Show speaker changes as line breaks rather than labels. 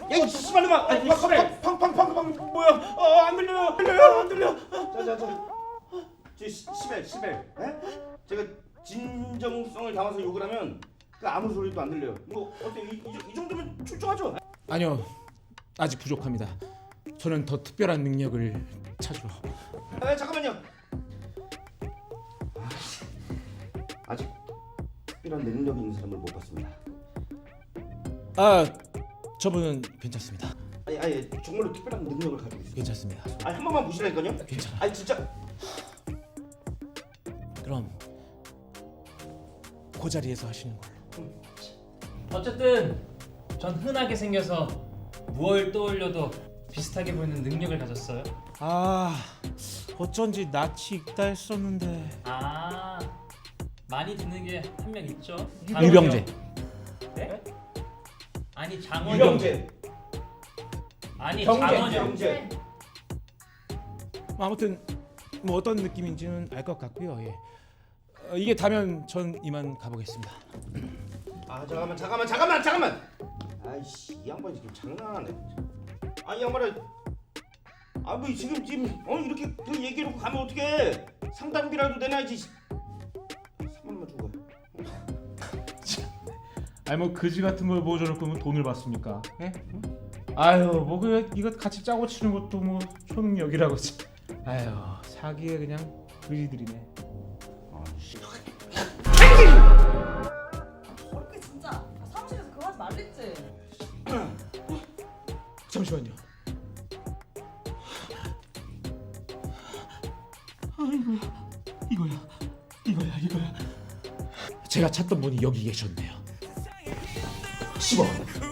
야이 씨발놈아! 아이 그래! 팡팡팡팡 뭐야? 안 들려요! 안 들려! 자자자. 시벨. 제가 진정성을 담아서 욕을 하면 그 아무 소리도 안 들려요. 뭐 어때? 이 정도면 출중하죠?
아니요, 아직 부족합니다. 저는 더 특별한 능력을 찾으러.
잠깐만요. 아직 특별한 능력이 있는 사람을 못 봤습니다.
저분은 괜찮습니다.
아니 정말로 특별한 능력을 가지고 있어요.
괜찮습니다.
한 번만 보시라니까요.
괜찮아.
아니 진짜.
그럼 그 자리에서 하시는 걸로.
어쨌든 전 흔하게 생겨서 뭘 떠올려도 비슷하게 보이는 능력을 가졌어요.
어쩐지 낯이 익다 했었는데.
많이 듣는 게 한 명 있죠.
유병재.
네? 아니 장원영.
유병재.
아니
병재.
장원영.
병재.
아무튼 뭐 어떤 느낌인지는 알 것 같고요. 예. 이게 다면 전 이만 가보겠습니다.
잠깐만. 아이씨 이 양반이 지금 장난하네. 이 양반아. 뭐 지금 이렇게 그 얘기해놓고 가면 어떡해? 상담비라도 내놔야지. 3만 원만 주고 가.
뭐 그지 같은 걸 보여줘놓고 돈을 받습니까? 예? 아유 뭐 이거 같이 짜고 치는 것도 뭐 초능력이라고. 아유 사기에 그냥 그지들이네.
어렵게 진짜. 사무실에서 그거 하지 말랬지.
잠시만요. 아이고 이거야. 제가 찾던 분이 여기 계셨네요.
10원.